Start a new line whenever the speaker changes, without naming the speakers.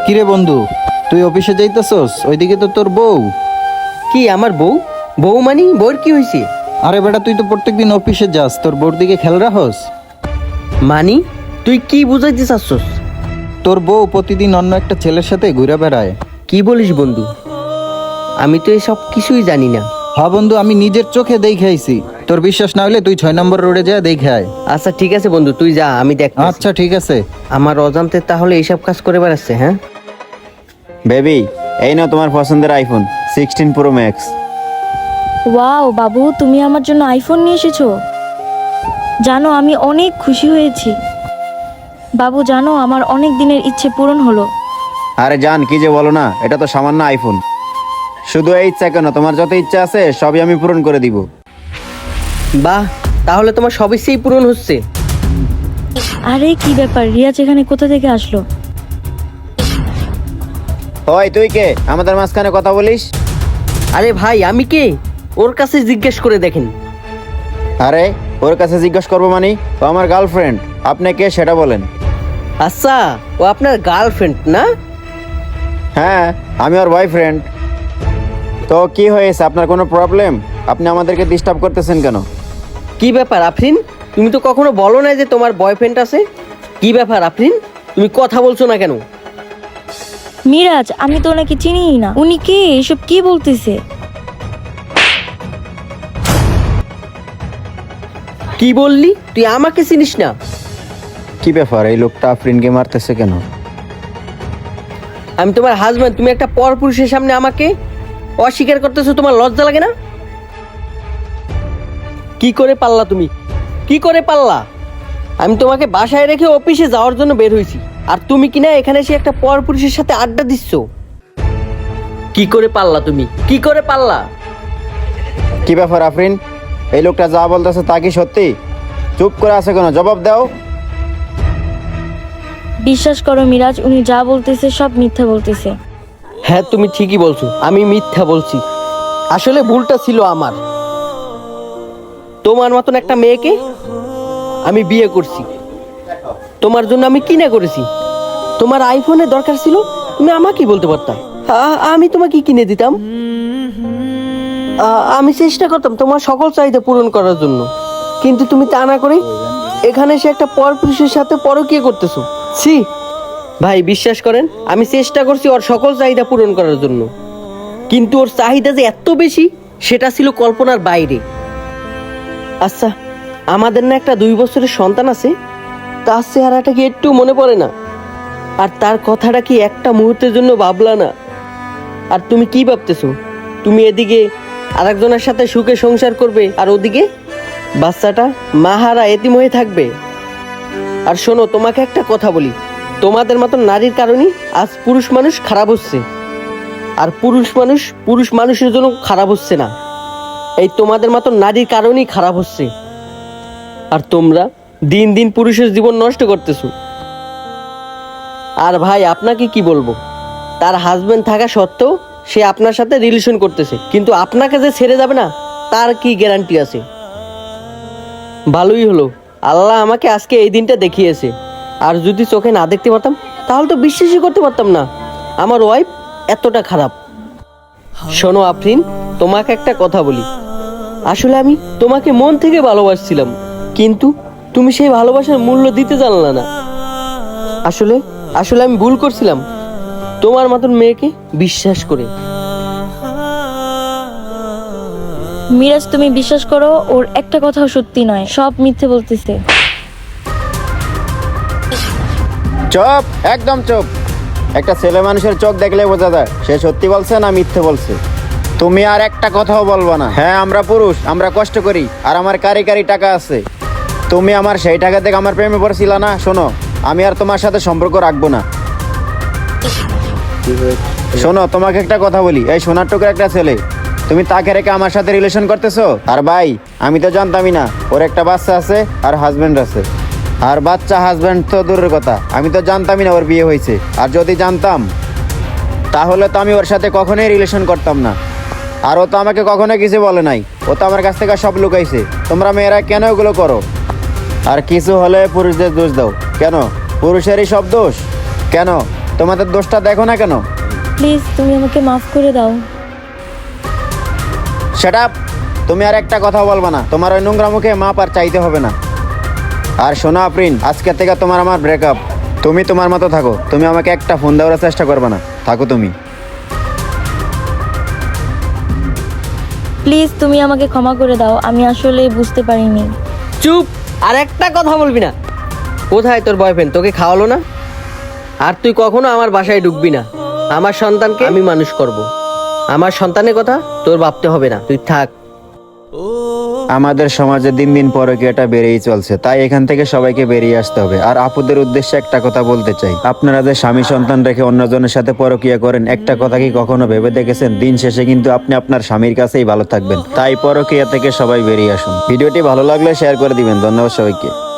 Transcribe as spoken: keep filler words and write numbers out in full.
কিরে বন্ধু, তুই অফিসে যাইতেছস? ওইদিকে তো তোর বউ।
কি আমার বউ? বউ মানি বউর কি হয়েছে?
আরে বেটা, তুই তো প্রত্যেকদিন অফিসে যাস, তোর বউর দিকে খেয়াল রাখস?
মানি তুই কি বুঝাইতে চাচ্ছস?
তোর বউ প্রতিদিন অন্য একটা ছেলের সাথে ঘুরে বেড়ায়।
কি বলিস বন্ধু? আমি তো এসব কিছুই জানি না।
হ্যাঁ বন্ধু, আমি নিজের চোখে দেখে আইছি। তোর বিশ্বাস না হলে তুই ছয় নম্বর রোডে যা দেখে আয়।
আচ্ছা ঠিক আছে বন্ধু, তুই যা, আমি দেখ।
আচ্ছা ঠিক আছে।
আমার অজান্তে তাহলে এইসব কাজ করে বেড়াচ্ছে, হ্যাঁ?
বেবি, এই নাও তোমার পছন্দের iPhone sixteen pro max.
Wow বাবু, তুমি আমার জন্য আইফোন নিয়ে এসেছো। জানো আমি অনেক খুশি হয়েছি। বাবু জানো আমার অনেক দিনের ইচ্ছে পূরণ হলো।
আরে জান, কি যে বলো না, এটা তো সামান্য আইফোন। শুধু এই ইচ্ছা কেন, তোমার যত ইচ্ছা আছে সবই আমি পূরণ করে দিব।
বাহ, তাহলে তোমার সব ইচ্ছেই পূরণ হচ্ছে।
আরে কি ব্যাপার, রিয়াজ এখানে কোথা থেকে আসলো?
ওই তুই কে আমাদের মাঝখানে কথা বলিস?
আরে ভাই, আমি কে ওর কাছে জিজ্ঞেস করে দেখেন।
আরে ওর কাছে জিজ্ঞেস করবো মানে? ও আমার গার্লফ্রেন্ড, আপনি কে সেটা বলেন।
আচ্ছা, ও আপনার গার্লফ্রেন্ড না?
হ্যাঁ, আমি ওর বয়ফ্রেন্ড। তো কি হয়েছে, আপনার কোনো প্রবলেম? আপনি আমাদেরকে ডিস্টার্ব করতেছেন কেন?
কি ব্যাপার আফরিন, তুমি তো কখনো বলো না যে তোমার বয়ফ্রেন্ড আছে। কি ব্যাপার আফরিন, তুমি কথা বলছো না কেন?
মিরাজ, আমি তো ওনাকে চিনিই না। উনি কে? এসব কি বলতেছে?
কি বললি? তুই আমাকে চিনিস না?
কি ব্যাপার, এই লোকটা আফরিনকে মারতেছে কেন?
আমি তোমার হাজব্যান্ড, তুমি একটা পরপুরুষের সামনে আমাকে অস্বীকার করতেছো। তোমার লজ্জা লাগে না? কি করে পারলা তুমি? কি করে পারলা? আমি তোমাকে বাসায় রেখে অফিসে যাওয়ার জন্য বের হয়েছি, আর তুমি কিনা এখানে এসে একটা পরপুরুষের সাথে আড্ডা দিচ্ছ। কি করে পারলা তুমি? কি করে পারলা?
কি ব্যাপার আফরিন, এই লোকটা যা বলতেছে তা কি সত্যি? চুপ করে আছে কেন, জবাব দাও।
বিশ্বাস করো মিরাজ, উনি যা বলতেছে সব মিথ্যা বলতেছে।
হ্যাঁ, তুমি ঠিকই বলছো, আমি মিথ্যা বলছি। আসলে ভুলটা ছিল আমার। তোমার মতন একটা মেয়েকে আমি বিয়ে করছি, তোমার জন্য আমি কিনে করেছি। তোমার আইফোনের দরকার ছিল, তুমি আমাকেই বলতে পারতাম, আ- আমি তোমাকে কিনে দিতাম। আ- আমি চেষ্টা করতাম তোমার সকল চাহিদা পূরণ করার জন্য, কিন্তু তুমি তা না করে এখানে এসে একটা পরপুরুষের সাথে পরকীয়া করতেছো। ছি ভাই, বিশ্বাস করেন, আমি চেষ্টা করছি ওর সকল চাহিদা পূরণ করার জন্য, কিন্তু ওর চাহিদা যে এত বেশি সেটা ছিল কল্পনার বাইরে। আচ্ছা, আমাদের না একটা দুই বছরের সন্তান আছে, তার চেহারাটা কি একটু মনে পড়ে না? আর তার কথাটা কি একটা মুহূর্তের জন্য ভাবলা না? আর তুমি কি ভাবতেছো? তুমি এদিকে আরেকজনের সাথে সুখে সংসার করবে, আর ওদিকে বাচ্চাটা মাহারা এতিম হয়ে থাকবে। আর শোনো, তোমাকে একটা কথা বলি, তোমাদের মতো নারীর কারণেই আজ পুরুষ মানুষ খারাপ হচ্ছে, আর পুরুষ মানুষ পুরুষ মানুষের জন্য খারাপ হচ্ছে না। এই তোমাদের মতো নারীর কারণেই খারাপ হচ্ছে, আর তোমরা দিন দিন পুরুষের জীবন নষ্ট করতেছো। আর ভাই, আপনাকে কি বলবো, তার হাজবেন্ড থাকা সত্ত্বেও সে আপনার সাথে রিলেশন করতেছে, কিন্তু আপনাকে যে ছেড়ে যাবে না তার কি গ্যারান্টি আছে? ভালোই হলো, আল্লাহ আমাকে আজকে এই দিনটা দেখিয়েছে। আর যদি চোখে না দেখতে পারতাম তাহলে তো বিশ্বাসই করতে পারতাম না আমার ওয়াইফ এতটা খারাপ। শোনো আফরিন, তোমাকে একটা কথা বলি, আসলে আমি তোমাকে মন থেকে ভালোবাসছিলাম, কিন্তু তুমি সেই ভালোবাসার মূল্য দিতে জানলা না। আসলে আসলে আমি ভুল করছিলাম তোমার মতন মেয়েকে বিশ্বাস করে।
মিরাজ, তুমি বিশ্বাস করো, ওর একটা কথাও সত্যি নয়, সব মিথ্যে বলতেছে।
চুপ, একদম চুপ। একটা ছেলে মানুষের চোখ দেখলে বোঝা যায় সে সত্যি বলছে না মিথ্যে বলছে। তুমি আর একটা কথাও বলবা না। হ্যাঁ, আমরা পুরুষ, আমরা কষ্ট করি, আর আমার কারি কারি টাকা আছে। তুমি আমার সেই টাকা থেকে আমার প্রেমে পড়ছিল না। শোনো, আমি আর তোমার সাথে সম্পর্ক রাখবো না। শোনো, তোমাকে একটা কথা বলি, এই সোনার টুকরা একটা ছেলে, তুমি তাকে রেখে আমার সাথে রিলেশন করতেছো। আর ভাই, আমি তো জানতামই না ওর একটা বাচ্চা আছে আর হাজবেন্ড আছে। আর বাচ্চা হাজবেন্ড তো দূরের কথা, আমি তো জানতামই না ওর বিয়ে হয়েছে। আর যদি জানতাম তাহলে তো আমি ওর সাথে কখনোই রিলেশন করতাম না। আর ও তো আমাকে কখনো কিছু বলে নাই, ও তো আমার কাছ থেকে সব লুকাইছে। তোমরা মেয়েরা কেন এগুলো করো? আর কিছু হলে পুরুষদের দোষ দাও কেন? পুরুষেরই সব দোষ কেন? তোমাদের দোষটা দেখো না কেন?
প্লিজ তুমি আমাকে মাফ করে দাও।
Shut up! তুমি আর একটা কথা বলবা না। তোমার ওই নোংরা মুখে মাপ আর চাইতে হবে না। আর শোনো আফরিন, আজকে থেকে তোমার আমার ব্রেকআপ। তুমি তোমার মতো থাকো। তুমি আমাকে একটা ফোন দেওয়ার চেষ্টা করবে না। থাকো তুমি।
প্লিজ তুমি আমাকে ক্ষমা করে দাও, আমি আসলে বুঝতে পারিনি।
চুপ! আর একটা কথা বলবি না। কোথায় তোর বয়ফ্রেন্ড? তোকে খাওয়ালো না? আর তুই কখনো আমার বাসায় ঢুকবি না। আমার সন্তানকে আমি মানুষ করব। আমার সন্তানের কথা তোর ভাবতে হবে না, তুই থাক।
আমাদের সমাজে দিন দিন পরকীয়াটা বেড়েই চলছে, তাই এখান থেকে সবাইকে বেরিয়ে আসতে হবে। আর আপুদের উদ্দেশ্যে একটা কথা বলতে চাই, আপনারা যে স্বামী সন্তান রেখে অন্যজনের সাথে পরকীয়া করেন, একটা কথা কি কখনো ভেবে দেখেছেন? দিন শেষে কিন্তু আপনি আপনার স্বামীর কাছেই ভালো থাকবেন। তাই পরকীয়া থেকে সবাই বেরিয়ে আসুন। ভিডিওটি ভালো লাগলে শেয়ার করে দিবেন। ধন্যবাদ সবাইকে।